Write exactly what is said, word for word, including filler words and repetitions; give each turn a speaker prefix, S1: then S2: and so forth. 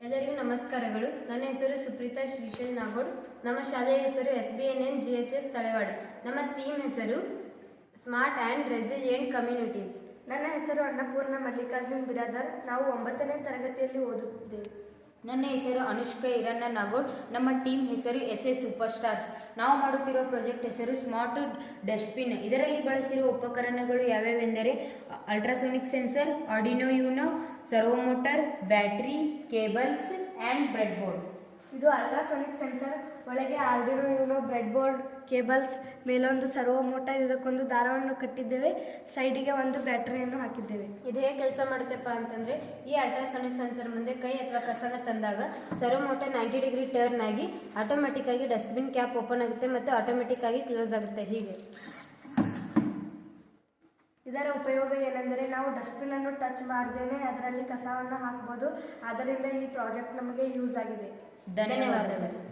S1: ಎಲ್ಲರಿಗೂ ನಮಸ್ಕಾರಗಳು. ನನ್ನ ಹೆಸರು ಸುಪ್ರೀತಾ ಶ್ರೀಶೈಲ್ ನಾಗೋಡ್. ನಮ್ಮ ಶಾಲೆಯ ಹೆಸರು S B N N G H S Talewada. ನಮ್ಮ ಥೀಮ್ ಹೆಸರು ಸ್ಮಾರ್ಟ್ ಆ್ಯಂಡ್ ರೆಸಿಲಿಯೆಂಟ್ ಕಮ್ಯುನಿಟೀಸ್.
S2: ನನ್ನ ಹೆಸರು ಅನ್ನಪೂರ್ಣ ಮಲ್ಲಿಕಾರ್ಜುನ್ ಬಿರಾದರ್. ನಾವು ಒಂಬತ್ತನೇ ತರಗತಿಯಲ್ಲಿ ಓದುತ್ತಿದ್ದೇವೆ.
S3: ನನ್ನ ಹೆಸರು ಅನುಷ್ಕಾ ಹಿರಣ್ಣ ನಾಗೋಡ್. ನಮ್ಮ ಟೀಮ್ ಹೆಸರು ಎಸ್ ಎಸ್ ಸೂಪರ್ ಸ್ಟಾರ್ಸ್. ನಾವು ಮಾಡುತ್ತಿರುವ ಪ್ರಾಜೆಕ್ಟ್ ಹೆಸರು ಸ್ಮಾರ್ಟ್ ಡಸ್ಟ್ಬಿನ್. ಇದರಲ್ಲಿ ಬಳಸಿರುವ ಉಪಕರಣಗಳು ಯಾವ್ಯಾವೆಂದರೆ ultrasonic sensor, Arduino Uno, servo motor, battery, cables and breadboard.
S2: ಇದು ಅಲ್ಟ್ರಾಸೋನಿಕ್ ಸೆನ್ಸರ್, ಒಳಗೆ Arduino Uno, breadboard, cables, ಮೇಲೊಂದು ಸರ್ವೋ ಮೋಟರ್, ಇದಕ್ಕೊಂದು ದಾರವನ್ನು ಕಟ್ಟಿದ್ದೇವೆ, ಸೈಡಿಗೆ ಒಂದು ಬ್ಯಾಟರಿಯನ್ನು ಹಾಕಿದ್ದೇವೆ.
S1: ಇದು ಹೇಗೆ ಕೆಲಸ ಮಾಡುತ್ತಪ್ಪ ಅಂತಂದರೆ, ಈ ಅಲ್ಟ್ರಾಸಾನಿಕ್ ಸೆನ್ಸರ್ ಮುಂದೆ ಕೈ ಅಥವಾ ಕಸನ ತಂದಾಗ servo motor ninety degree turn ಆಗಿ ಆಟೋಮೆಟಿಕ್ ಆಗಿ ಡಸ್ಟ್ಬಿನ್ ಕ್ಯಾಪ್ ಓಪನ್ ಆಗುತ್ತೆ ಮತ್ತು ಆಟೋಮೆಟಿಕ್ ಆಗಿ ಕ್ಲೋಸ್ ಆಗುತ್ತೆ. ಹೀಗೆ
S2: ಇದರ ಉಪಯೋಗ ಏನೆಂದರೆ, ನಾವು ಡಸ್ಟ್ಬಿನ್ನನ್ನು ಟಚ್ ಮಾಡ್ದೇನೆ ಅದರಲ್ಲಿ ಕಸವನ್ನು ಹಾಕ್ಬೋದು. ಆದ್ದರಿಂದ ಈ ಪ್ರಾಜೆಕ್ಟ್ ನಮಗೆ ಯೂಸ್ ಆಗಿದೆ.
S3: ಧನ್ಯವಾದಗಳು.